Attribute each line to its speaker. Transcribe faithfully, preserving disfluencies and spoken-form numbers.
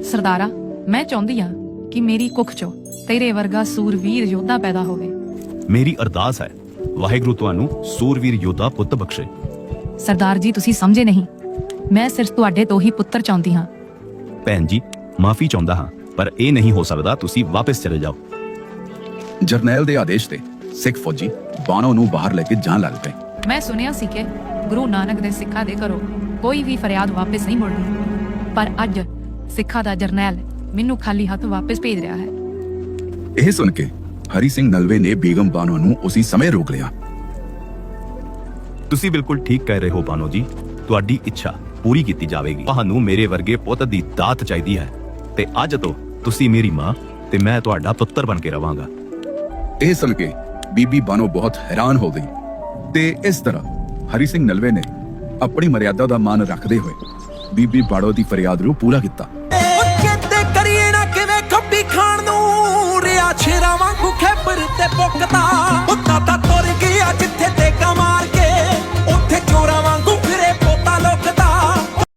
Speaker 1: ਸਰਦਾਰਾ, ਮੈਂ ਚਾਹੁੰਦੀ ਹਾਂ ਕਿ ਮੇਰੀ ਕੁੱਖ ਚੋਂ ਤੇਰੇ ਵਰਗਾ ਸੂਰਵੀਰ ਯੋਧਾ ਪੈਦਾ ਹੋਵੇ।
Speaker 2: ਮੇਰੀ ਅਰਦਾਸ ਹੈ ਵਾਹਿਗੁਰੂ ਤੁਹਾਨੂੰ ਸੂਰਵੀਰ ਯੋਧਾ ਪੁੱਤ ਬਖਸ਼ੇ।
Speaker 1: ਸਰਦਾਰ ਜੀ, ਤੁਸੀਂ ਸਮਝੇ ਨਹੀਂ, ਮੈਂ ਸਿਰਫ ਤੁਹਾਡੇ ਤੋਂ ਹੀ ਪੁੱਤਰ ਚਾਹੁੰਦੀ ਹਾਂ।
Speaker 2: ਭੈਣ ਜੀ, ਮਾਫੀ ਚਾਹੁੰਦਾ ਹਾਂ, ਪਰ ਇਹ ਨਹੀਂ ਹੋ ਸਕਦਾ। ਤੁਸੀਂ ਵਾਪਸ ਚਲੇ ਜਾਓ।
Speaker 3: ਜਰਨੈਲ ਦੇ ਆਦੇਸ਼ ਤੇ ਸਿੱਖ ਫੌਜੀ ਬਾਣੋ ਨੂੰ ਬਾਹਰ ਲੈ ਕੇ ਜਾਣ ਲੱਗ ਪਏ।
Speaker 1: ਮੈਂ ਸੁਣਿਆ ਸੀ ਕਿ ਗੁਰੂ ਨਾਨਕ ਦੇ ਸਿੱਖਾਂ ਦੇ ਘਰੋਂ ਕੋਈ ਵੀ ਫਰਿਆਦ ਵਾਪਸ ਨਹੀਂ ਮੁੜਦੀ, ਪਰ ਅੱਜ ਸਿੱਖਾਂ ਦਾ ਜਰਨੈਲ ਮੈਨੂੰ ਖਾਲੀ ਹੱਥ ਵਾਪਸ ਭੇਜ ਰਿਹਾ ਹੈ।
Speaker 3: ਇਹ ਸੁਣ ਕੇ ਹਰੀ ਸਿੰਘ ਨਲਵੇ ਨੇ ਬੇਗਮ ਬਾਨੋ ਨੂੰ ਉਸੇ ਸਮੇਂ ਰੋਕ ਲਿਆ।
Speaker 2: ਤੁਸੀਂ ਬਿਲਕੁਲ ਠੀਕ ਕਹਿ ਰਹੇ ਹੋ ਬਾਨੋ ਜੀ, ਤੁਹਾਡੀ ਇੱਛਾ ਪੂਰੀ ਕੀਤੀ ਜਾਵੇਗੀ। ਤੁਹਾਨੂੰ ਮੇਰੇ ਵਰਗੇ ਪੁੱਤ ਦੀ ਦਾਤ ਚਾਹੀਦੀ ਹੈ ਤੇ ਅੱਜ ਤੋਂ ਤੁਸੀਂ ਮੇਰੀ ਮਾਂ ਤੇ ਮੈਂ ਤੁਹਾਡਾ ਪੁੱਤਰ ਬਣ ਕੇ ਰਵਾਂਗਾ।
Speaker 3: ਇਹ ਸੁਣ ਕੇ ਬੀਬੀ ਬਾਨੋ ਬਹੁਤ ਹੈਰਾਨ ਹੋ ਗਈ ਤੇ ਇਸ ਤਰ੍ਹਾਂ ਹਰੀ ਸਿੰਘ ਨਲਵੇ ਨੇ ਆਪਣੀ ਮਰਿਆਦਾ ਦਾ ਮਾਨ ਰੱਖਦੇ ਹੋਏ ਬੀਬੀ ਬਾੜੋ ਦੀ ਫਰਿਆਦ ਨੂੰ ਪੂਰਾ ਕੀਤਾ।